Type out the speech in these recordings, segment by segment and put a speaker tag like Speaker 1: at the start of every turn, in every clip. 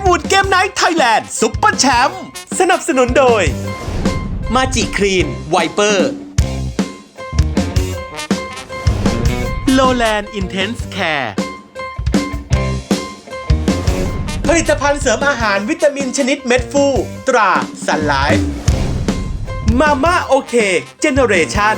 Speaker 1: วูดเกมไนท์ไทยแลนด์ซุปเปอร์แชมป์สนับสนุนโดยมาจิคลีนไวเปอร์โลแลนด์อินเทนส์แคร์ผลิตภัณฑ์เสริมอาหารวิตามินชนิดเม็ดฟูตราซันไลฟ์มาม่าโอเคเจเนเรชั่น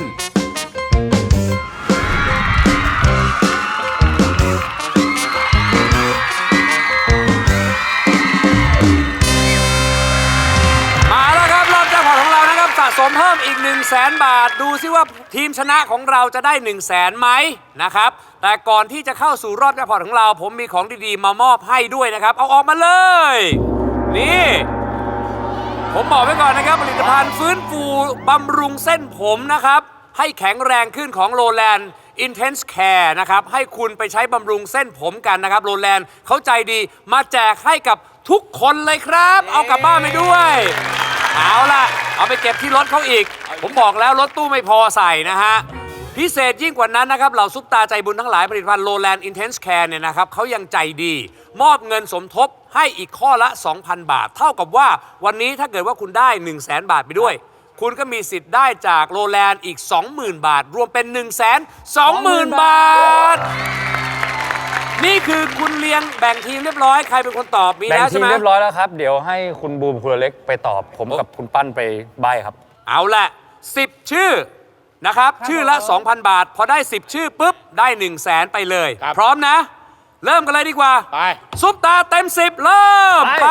Speaker 2: สะสมเพิ่มอีก 100,000 บาทดูซิว่าทีมชนะของเราจะได้ 100,000 ไหมนะครับแต่ก่อนที่จะเข้าสู่รอบแจ็คพอตของเราผมมีของดีๆมามอบให้ด้วยนะครับเอาออกมาเลยนี่ผมบอกไว้ก่อนนะครับผลิตภัณฑ์ฟื้นฟูบำรุงเส้นผมนะครับให้แข็งแรงขึ้นของโลแลนด์ Intense Care นะครับให้คุณไปใช้บำรุงเส้นผมกันนะครับโลแลนด์เขาใจดีมาแจกให้กับทุกคนเลยครับเอากลับบ้านไปด้วยเอาล่ะเอาไปเก็บที่รถเขาอีกผมบอกแล้วรถตู้ไม่พอใส่นะฮะพิเศษยิ่งกว่านั้นนะครับเหล่าซุปตาใจบุญทั้งหลายผลิตภัณฑ์โลแลนด์ Intense Care เนี่ยนะครับเขายังใจดีมอบเงินสมทบให้อีกข้อละ 2,000 บาทเท่ากับว่าวันนี้ถ้าเกิดว่าคุณได้ 100,000 บาทไปด้วยคุณก็มีสิทธิ์ได้จากโลแลนด์อีก 20,000 บาทรวมเป็น 120,000 บาทนี่คือคุณเลี้ยงแบ่งทีมเรียบร้อยใครเป็นคนตอบมีแล้วใช่ไหม
Speaker 3: แบ่งทีมเรียบร้อยแล้วครับเดี๋ยวให้คุณบูมคุณเล็กไปตอบผมกับคุณปั้นไปใบ้ครับ
Speaker 2: เอาละ10 ชื่อนะครับชื่อละ 2,000 บาทพอได้10 ชื่อปุ๊บได้ 100,000 ไปเลยพร้อมนะเริ่มกันเลยดีกว่า
Speaker 4: ไป
Speaker 2: ซุปตาเต็ม10เริ่มไป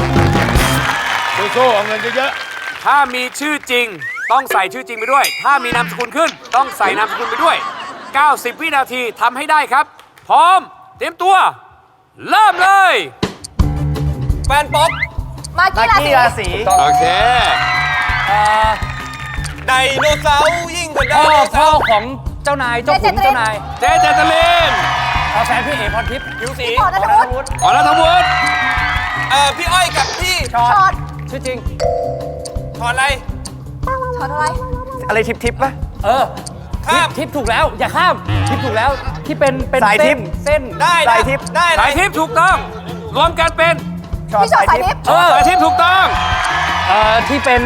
Speaker 4: สู้ๆเอาเงินเยอะ
Speaker 2: ๆถ้ามีชื่อจริงต้องใส่ชื่อจริงไปด้วยถ้ามีนามสกุลขึ้นต้องใส่นามสกุลไปด้วย90 วินาทีทำให้ได้ครับพร้อมเตรียมตัวเริ่มเลย
Speaker 4: แฟนป๊อป
Speaker 5: มากกี้ราศี
Speaker 2: โอเค
Speaker 4: ไดโนเสาร์ยิ่งกว่าไดโนเสาร์
Speaker 3: ของเจ้านายเจ้าขุนเจ้านาย
Speaker 2: เจเจตลิน
Speaker 3: แฟนพี่เอพรทิพย์
Speaker 4: ผิวสี
Speaker 5: พอนัทวุฒิ
Speaker 4: พี่อ้อยกับพี่
Speaker 5: ช็อต
Speaker 3: ชื่อจริง
Speaker 4: ถอดอะไร
Speaker 5: ช็อตอะไร
Speaker 3: อะไรทิปป่ะ
Speaker 4: ข้าม
Speaker 3: ทิปถูกแล้วอย่าข้ามทิปถูกแล้วที่เป็น
Speaker 4: สายทิป
Speaker 3: เส้น
Speaker 4: ได้สายทิปได้
Speaker 2: สายทิปถูกต้องรวมกันเป็น
Speaker 5: พี่ช็อตสายทิป
Speaker 2: สายทิปถูกต้อง
Speaker 3: ที่เป็น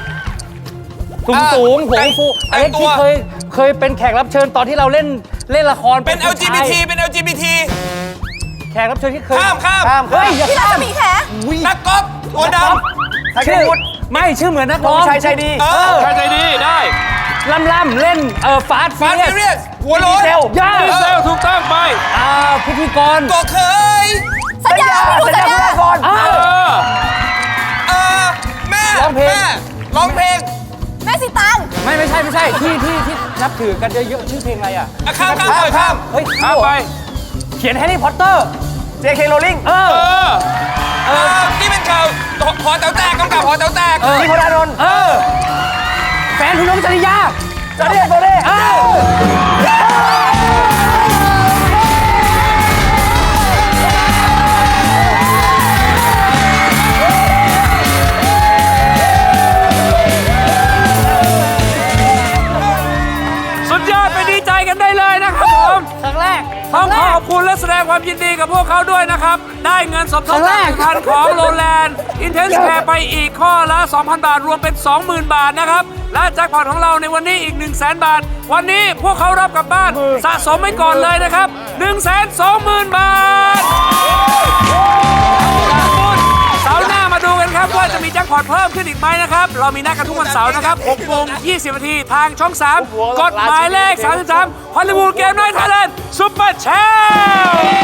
Speaker 3: สูงหัวฟูไอ้ที่เคยเป็นแขกรับเชิญตอนที่เราเล่นละคร
Speaker 4: เป็น LGBT เป็น LGBT
Speaker 3: แขกรับเชิญที่เคย
Speaker 4: ข้าม
Speaker 3: เฮ้ย
Speaker 5: พี่ราศีแข
Speaker 4: นักกอล์ฟตัวดำ
Speaker 3: ชื่อไม่ชื่อเหมือนนักร้อง
Speaker 4: ชายดี
Speaker 2: ชายใจดีได้
Speaker 3: ล่ำเล่นฟาสต์
Speaker 4: เรียสหัวโล้น
Speaker 2: ดีเซลถูกต้องไป
Speaker 3: พิธีกร
Speaker 4: ก็เคย
Speaker 5: สัญญา
Speaker 4: ก่อนแม่ร้องเพลง
Speaker 5: แม่สิตัง
Speaker 3: ไม่ใช่ที่นับถือกันเยอะๆชื่อเพลงอะไรอ่ะ
Speaker 4: ข้าม
Speaker 3: เฮ้ย
Speaker 2: ข้ามไป
Speaker 3: เขียนแฮร์รี่พอตเตอร์
Speaker 4: JK Rowling ที่เป็นข่าวหอแต๋วแตกกำกับหอแต๋วแตก
Speaker 3: นี่พลดลแฟนคุณน้องจริยา
Speaker 4: จริยาโบเล่
Speaker 2: สุดยอดไปดีใจกันได้เลยนะครับผม
Speaker 3: ครั้งแรก
Speaker 2: ต้องขอบคุณและแสดงความยินดีกับพวกเขาด้วยนะครับได้เงินสมทบพันของโลแลนด์ Intense Care ไปอีกข้อละ 2,000 บาทรวมเป็น 20,000 บาทนะครับและแจ็คพอตของเราในวันนี้อีก 100,000 บาทวันนี้พวกเขารับกลับบ้านสะสมไว้ก่อนเลยนะครับ 120,000 บาทเสาร์หน้ามาดูกันครับว่าจะมีแจ็คพอตเพิ่มขึ้นอีกไหมนะครับเรามีนัดกันทุกวันเสาร์นะครับ 6:20 นาทีทางช่อง 3 กฎหมายเลข 33 ฮอลลีวูดเกมไนท์ไทยแลนด์ซุปเปอร์แชมป์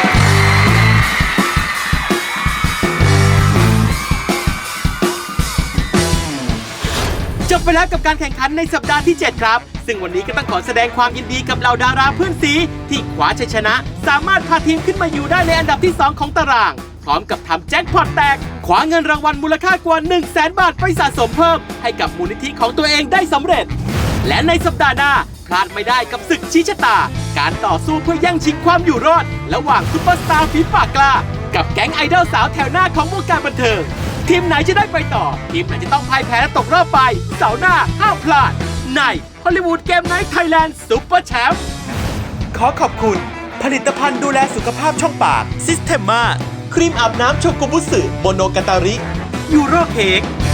Speaker 1: จบไปแล้วกับการแข่งขันในสัปดาห์ที่ 7 ครับซึ่งวันนี้ก็ต้องขอแสดงความยินดีกับเหล่าดาราเพื่อนซีที่คว้าชัยชนะสามารถพาทีมขึ้นมาอยู่ได้ในอันดับที่ 2 ของตารางพร้อมกับทำแจ็คพอตแตกคว้าเงินรางวัลมูลค่ากว่า 100,000 บาทไปสะสมเพิ่มให้กับมูลนิธิของตัวเองได้สำเร็จและในสัปดาห์หน้าพลาดไม่ได้กับศึกชี้ชะตาการต่อสู้เพื่อแย่งชิงความอยู่รอดระหว่างซุปเปอร์สตาร์ฝีปากกล้ากับแก๊งไอดอลสาวแถวหน้าของวงการบันเทิงทีมไหนจะได้ไปต่อทีมไหนจะต้องพ่ายแพ้และตกรอบไปเสาร์หน้าห้ามพลาดในฮอลลีวูดเกมไนท์ไทยแลนด์ซุปเปอร์แชมป์ขอขอบคุณผลิตภัณฑ์ดูแลสุขภาพช่องปากซิสเทมมาครีมอาบน้ำโชกุบุสึโมโนกาตาริยูโรเค้ก